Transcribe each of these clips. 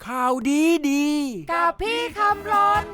ข่าวดีดีกับพี่คำรน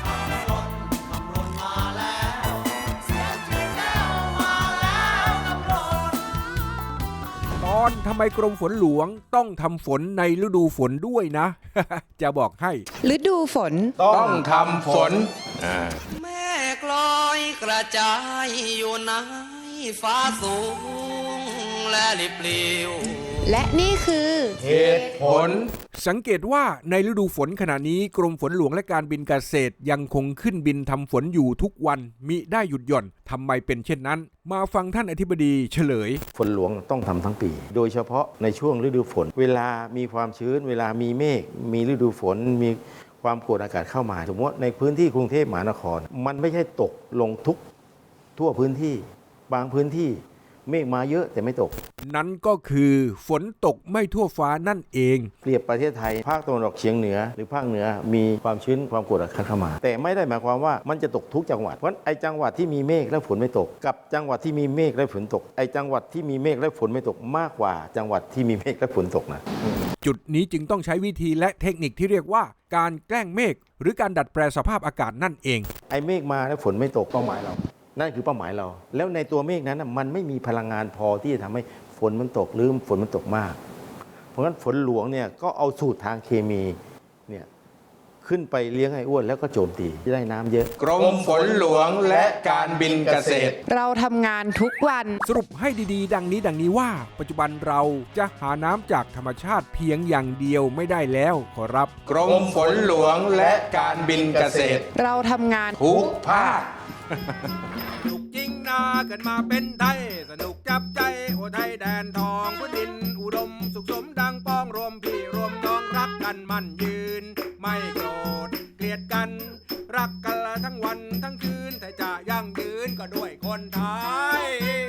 ตอนทำไมกรมฝนหลวงต้องทำฝนในฤดูฝนด้วยนะ จะบอกให้ฤดูฝนต้องทำฝนแม่กลอยกระจายอยู่ในฟ้าสูงและลิบลิวและนี่คือเหตุผลสังเกตว่าในฤดูฝนขณะนี้กรมฝนหลวงและการบินเกษตรยังคงขึ้นบินทำฝนอยู่ทุกวันมิได้หยุดหย่อนทำไมเป็นเช่นนั้นมาฟังท่านอธิบดีเฉลยฝนหลวงต้องทำทั้งปีโดยเฉพาะในช่วงฤดูฝนเวลามีความชื้นเวลามีเมฆมีฤดูฝนมีความกดอากาศเข้ามาสมมติในพื้นที่กรุงเทพมหานครมันไม่ใช่ตกลงทั่วพื้นที่บางพื้นที่เมฆมาเยอะแต่ไม่ตกนั้นก็คือฝนตกไม่ทั่วฟ้านั่นเองเปรียบประเทศไทยภาคตะวันออกเฉียงเหนือหรือภาคเหนือมีความชื้นความกดอากาศเข้ามาแต่ไม่ได้หมายความว่ามันจะตกทุกจังหวัดเพราะไอ้จังหวัดที่มีเมฆและฝนไม่ตกกับจังหวัดที่มีเมฆและฝนตกไอ้จังหวัดที่มีเมฆและฝนไม่ตกมากกว่าจังหวัดที่มีเมฆและฝนตกนะจุดนี้จึงต้องใช้วิธีและเทคนิคที่เรียกว่าการแกล้งเมฆหรือการดัดแปลสภาพอากาศนั่นเองไอ้เมฆมาแล้วฝนไม่ตกเป้าหมายเรานั่นคือเป้าหมายเราแล้วในตัวเมฆนั้นมันไม่มีพลังงานพอที่จะทำให้ฝนมันตกหรือฝนมันตกมากเพราะฉะนั้นฝนหลวงเนี่ยก็เอาสูตรทางเคมีเนี่ยขึ้นไปเลี้ยงไอ้อ้วนแล้วก็โจมตีที่ได้น้ำเยอะกรมฝนหลวงและการบินเกษตรเราทำงานทุกวันสรุปให้ดีๆดังนี้ว่าปัจจุบันเราจะหาน้ำจากธรรมชาติเพียงอย่างเดียวไม่ได้แล้วขอรับกรมฝนหลวงและการบินเกษตรเราทำงานทุกภาคสนุกจริงนาเกิดมาเป็นไทยสนุกจับใจโอไทยแดนทองพื้นดินอุดมสุขสมดังป้องรวมพี่รวมน้องรักกันมั่นยืนไม่โกรธเกลียดกันรักกันละทั้งวันทั้งคืนแต่จะยั่งยืนก็ด้วยคนไทย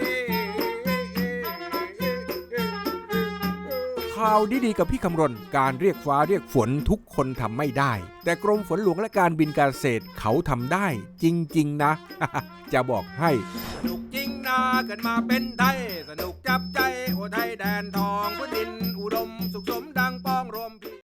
ข่าวดีๆกับพี่คำรณการเรียกฟ้าเรียกฝนทุกคนทำไม่ได้แต่กรมฝนหลวงและการบินเกษตรเขาทำได้จริงๆนะ จะบอกให้สนุกจริงนะเกิดมาเป็นไทยสนุกจับใจโอไทยแดนทองพื้นดินอุดมสุขสมดังป้องรวม